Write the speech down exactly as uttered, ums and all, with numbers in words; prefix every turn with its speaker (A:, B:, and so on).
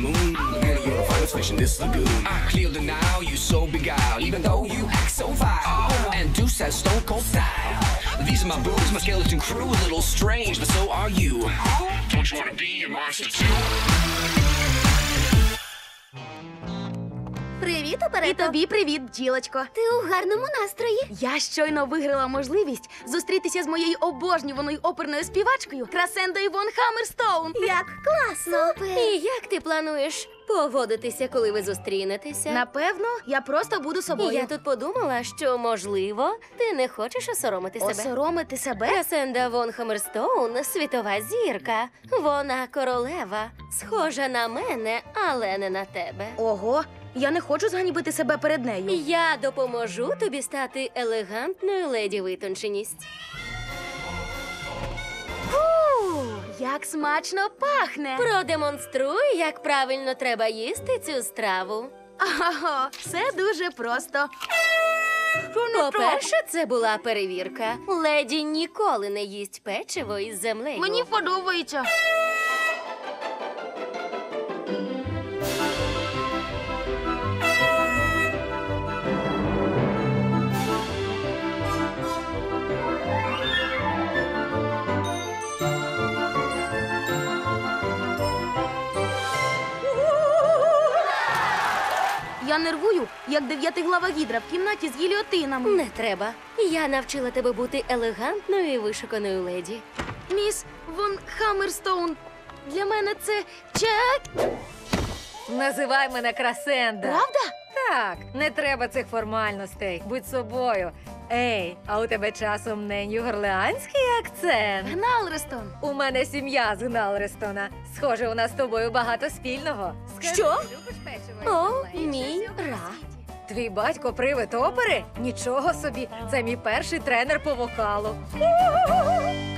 A: moon. Girl, you're the finest fish in this lagoon. I clear the now, you so beguiled, even though you act so vile. And Deuce has stone cold style. These are my boobs, my skeleton crew, a little strange, but so are you. Don't you wanna be a monster too?
B: Привіт,
C: І
B: Оперето.
C: тобі привіт, бджілочко.
B: Ти у гарному настрої.
C: Я щойно виграла можливість зустрітися з моєю обожнюваною оперною співачкою Красендою Вон Хаммерстоун.
B: Як класно. Супер.
D: І як ти плануєш поводитися, коли ви зустрінетеся?
C: Напевно, я просто буду собою.
D: Я тут подумала, що, можливо, ти не хочеш осоромити себе.
C: Осоромити себе?
D: Красенда Вон Хаммерстоун – світова зірка. Вона королева. Схожа на мене, але не на тебе.
C: Ого, я не хочу зганьбити себе перед нею.
D: Я допоможу тобі стати елегантною леді витонченість.
C: Фу, як смачно пахне.
D: Продемонструй, як правильно треба їсти цю страву.
C: Ага, все дуже просто. Що не так?
D: По-перше, це була перевірка. Леді ніколи не їсть печиво із землею.
C: Мені подобається. Я нервую, як дев'ятиглава гідра в кімнаті з гільйотинами.
D: Не треба. Я навчила тебе бути елегантною і вишуканою леді.
C: Міс Вон Хаммерстоун, для мене це чек.
E: Називай мене Красенда.
C: Правда?
E: Так, не треба цих формальностей. Будь собою. Ей, а у тебе часом не нью-горлеанський акцент?
C: Гналрестон.
E: У мене сім'я з Гналрестона. Схоже, у нас з тобою багато спільного. Скажи,
D: Що?
E: ти любиш печиво?
D: О,
E: із землею?
D: мій ра.
E: Твій батько привид опери? Нічого собі, це мій перший тренер по вокалу.